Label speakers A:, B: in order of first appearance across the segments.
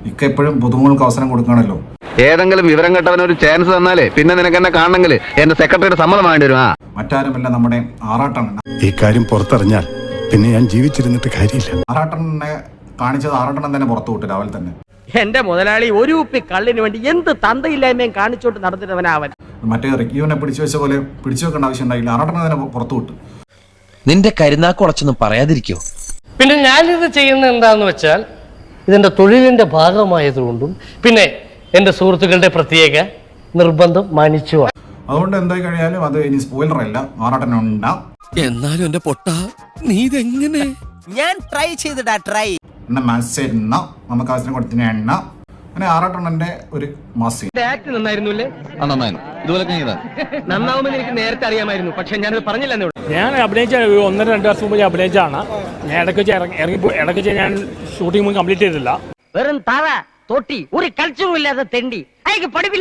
A: ഇക്ക എപ്പോഴും പുതുമുകൾക്ക് അവസരം കൊടുക്കണമല്ലോ.
B: ഏതെങ്കിലും വിവരം കേട്ടവന് ഒരു ചാൻസ് തന്നാലേ പിന്നെ നിനക്ക് എന്നെ കാണണമെങ്കിൽ എന്റെ സെക്രട്ടറിയുടെ സമ്മതം വേണ്ടി വരും.
A: മറ്റാരുമല്ല, നമ്മുടെ ആറാട്ടണ്ണൻ.
C: ഈ കാര്യം പുറത്തറിഞ്ഞാൽ പിന്നെ ഞാൻ ജീവിച്ചിരുന്നിട്ട് കാര്യമില്ല.
A: ആറാട്ടണ്ണനെ കാണിച്ചത് ആറാട്ടണ്ണൻ തന്നെ പുറത്തു വിട്ടു രാവിലെ തന്നെ.
D: എന്റെ മുതലാളി ഒരു ഉപ്പി കള്ളിന് വേണ്ടി എന്ത് തന്തയില്ലായ്മയും കാണിച്ചോട്ട് നടന്നിട്ടവനാവൻ.
A: മറ്റേ റിക്യൂവിനെ പിടിച്ചു വെച്ച പോലെ പിടിച്ചു വെക്കേണ്ട ആവശ്യം ഉണ്ടായില്ല, ആറാട്ടണ്ണൻ തന്നെ പുറത്തു വിട്ടു.
E: നിന്റെ കരുനാക്കുളച്ചൊന്നും പറയാതിരിക്കോ?
F: പിന്നെ ഞാനിത് ചെയ്യുന്നത് എന്താന്ന് വെച്ചാൽ ഇതിന്റെ തൊഴിലിന്റെ ഭാഗമായതുകൊണ്ടും പിന്നെ എന്റെ സുഹൃത്തുക്കളുടെ പ്രത്യേക നിർബന്ധം മാനിച്ചു.
A: അതുകൊണ്ട് എന്തായി കഴിഞ്ഞാലും അത് ഇനി സ്പോയിലർ അല്ല, ആറാട്ടണ്ണ.
E: എന്നാലും എന്റെ പൊട്ട നീ ഇതെങ്ങനെ?
D: ഞാൻ ട്രൈ ചെയ്തിടാ ട്രൈ.
A: നമുക്ക് അവസരം കൊടുത്തിന് എണ്ണ അങ്ങനെ ആറാട്ടണ്ണന്റെ ഒരു മാസം.
D: ആക്ട് നന്നായിരുന്നുല്ലേ? നന്നാവുമെന്ന് എനിക്ക് നേരത്തെ അറിയാമായിരുന്നു, പക്ഷെ ഞാനത് പറഞ്ഞില്ലെന്നേ ഉള്ളൂ.
G: ഞാൻ അഭിനയിച്ച 1-2 വർഷം മുമ്പ് ഞാൻ അഭിനയിച്ചാണ്. ഞാൻ ഇടയ്ക്ക് ഞാൻ ഷൂട്ടിംഗ് മുമ്പ് കംപ്ലീറ്റ് ചെയ്തില്ല.
D: വെറും തറ തൊട്ടി ഒരു കൾച്ചറും ഇല്ലാതെ തെണ്ടി അയക്ക് പഠിപ്പില്ല.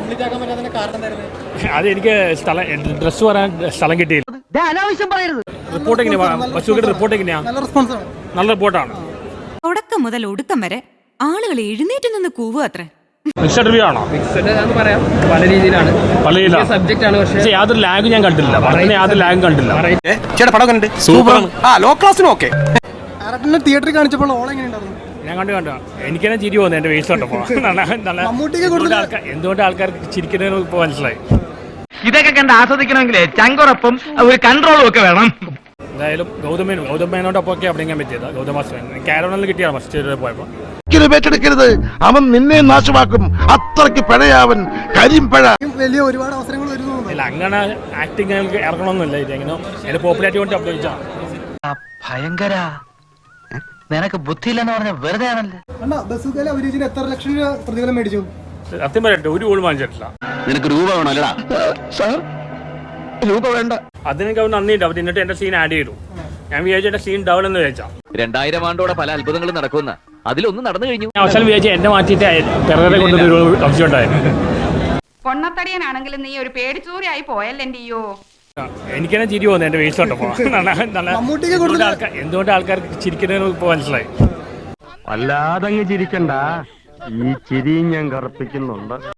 G: അത് എനിക്ക് ഡ്രസ് പറയാൻ സ്ഥലം കിട്ടിയില്ല.
D: അനാവശ്യം പറയരുത്.
G: റിപ്പോർട്ട് എങ്ങനെയാ? ബസ്സുകളുടെ റിപ്പോർട്ട് എങ്ങനെയാ? നല്ല റിപ്പോർട്ടാണ്.
H: തുടക്കം മുതൽ ഒടുക്കം വരെ ആളുകൾ എഴുന്നേറ്റ് നിന്ന് കൂവുക അത്രേ.
G: മിക്സഡ് റിവ്യൂ ആണോ?
D: പറയാം, പല രീതിയിലാണ്,
G: പല രീതിയിലാണ്
D: സബ്ജക്റ്റ് ആണ്. പക്ഷേ
G: യാതൊരു ലാഗ് ഞാൻ കണ്ടില്ല. യാതൊരു ലാഗ് കണ്ടില്ല.
F: തിയേറ്ററിൽ കാണിച്ചപ്പോൾ
G: ഞാൻ കണ്ടു. എനിക്ക് തന്നെ ചിരി പോകുന്നു എന്റെ വേസ്റ്റ് കണ്ടപ്പോ. എന്തുകൊണ്ട് ആൾക്കാർക്ക് ചിരിക്കുന്നതിന് ഇപ്പൊ മനസ്സിലായി.
D: ഇതൊക്കെ കണ്ട് ആസ്വദിക്കണമെങ്കിലേ ചങ്കുറപ്പും ഒരു കൺട്രോളും ഒക്കെ വേണം.
G: എന്തായാലും ഗൗതമേനോടൊപ്പം ഒക്കെ അഭിനയിക്കാൻ പറ്റിയത്. ഗൗതമാസ്റ്റർ കാരോണിൽ കിട്ടിയാണ് ഫസ്റ്റ് പോയപ്പോ.
I: ഏറ്റെടുക്കരുത്, അവൻ നിന്നെ നാശമാക്കും. അത്രയ്ക്ക് പഴയവൻ, കരിമ്പഴ.
F: വലിയ ഒരുപാട് അവസരങ്ങൾ വരുന്നു.
G: ഇല്ല, അങ്ങനെ ആക്ടിങ് ഇറങ്ങണമെന്നില്ല. ഇതെങ്ങനെ എന്റെ പോപ്പുലാരിറ്റി കൊണ്ട് അഭിനയിച്ചാ.
E: ഭയങ്കര നിനക്ക് ബുദ്ധിയില്ലെന്ന് പറഞ്ഞ വെറുതെ ആണല്ലേ.
F: എത്ര ലക്ഷം രൂപ പ്രതിഫലം മേടിച്ചു?
G: സത്യം പറയട്ടെ, ഒരു ഗോൾ വാങ്ങിച്ചിട്ടില്ല.
B: നിനക്ക് രൂപ വേണമല്ലടാ? രൂപ വേണ്ട.
G: അതിനൊക്കെ അവർ നന്ദിയുണ്ട്. അവർ എന്നിട്ട് എന്റെ സീൻ ആഡ് ചെയ്തു. ഞാൻ വിചാരിച്ചു എന്റെ സീൻ ഡൗൺ എന്ന് വിചാരിച്ചാ.
B: 2000 ആണ്ടോടെ പല അത്ഭുതങ്ങളും നടക്കുന്ന അതിലൊന്നും നടന്നു കഴിഞ്ഞു.
G: അവസാനം വിചാരിച്ചു എന്നെ മാറ്റിയിട്ട് പിറകെ കൊണ്ടൊരു സംശയം ഉണ്ടായിരുന്നു.
H: പൊണ്ണത്തടിയനാണെങ്കിലും നീ ഒരു പേടിച്ചൂരിയായി പോയല്ലേ.
G: എനിക്ക് തന്നെ ചിരി പോകുന്നു എന്റെ വേസ്റ്റ് കണ്ടപ്പോ. എന്തുകൊണ്ട് ആൾക്കാർക്ക് ചിരിക്കുന്നതിന് ഇപ്പൊ മനസ്സിലായി.
F: വല്ലാതങ്ങ് ചിരിക്കണ്ട, ഈ ചിരി ഞാൻ കറുപ്പിക്കുന്നുണ്ട്.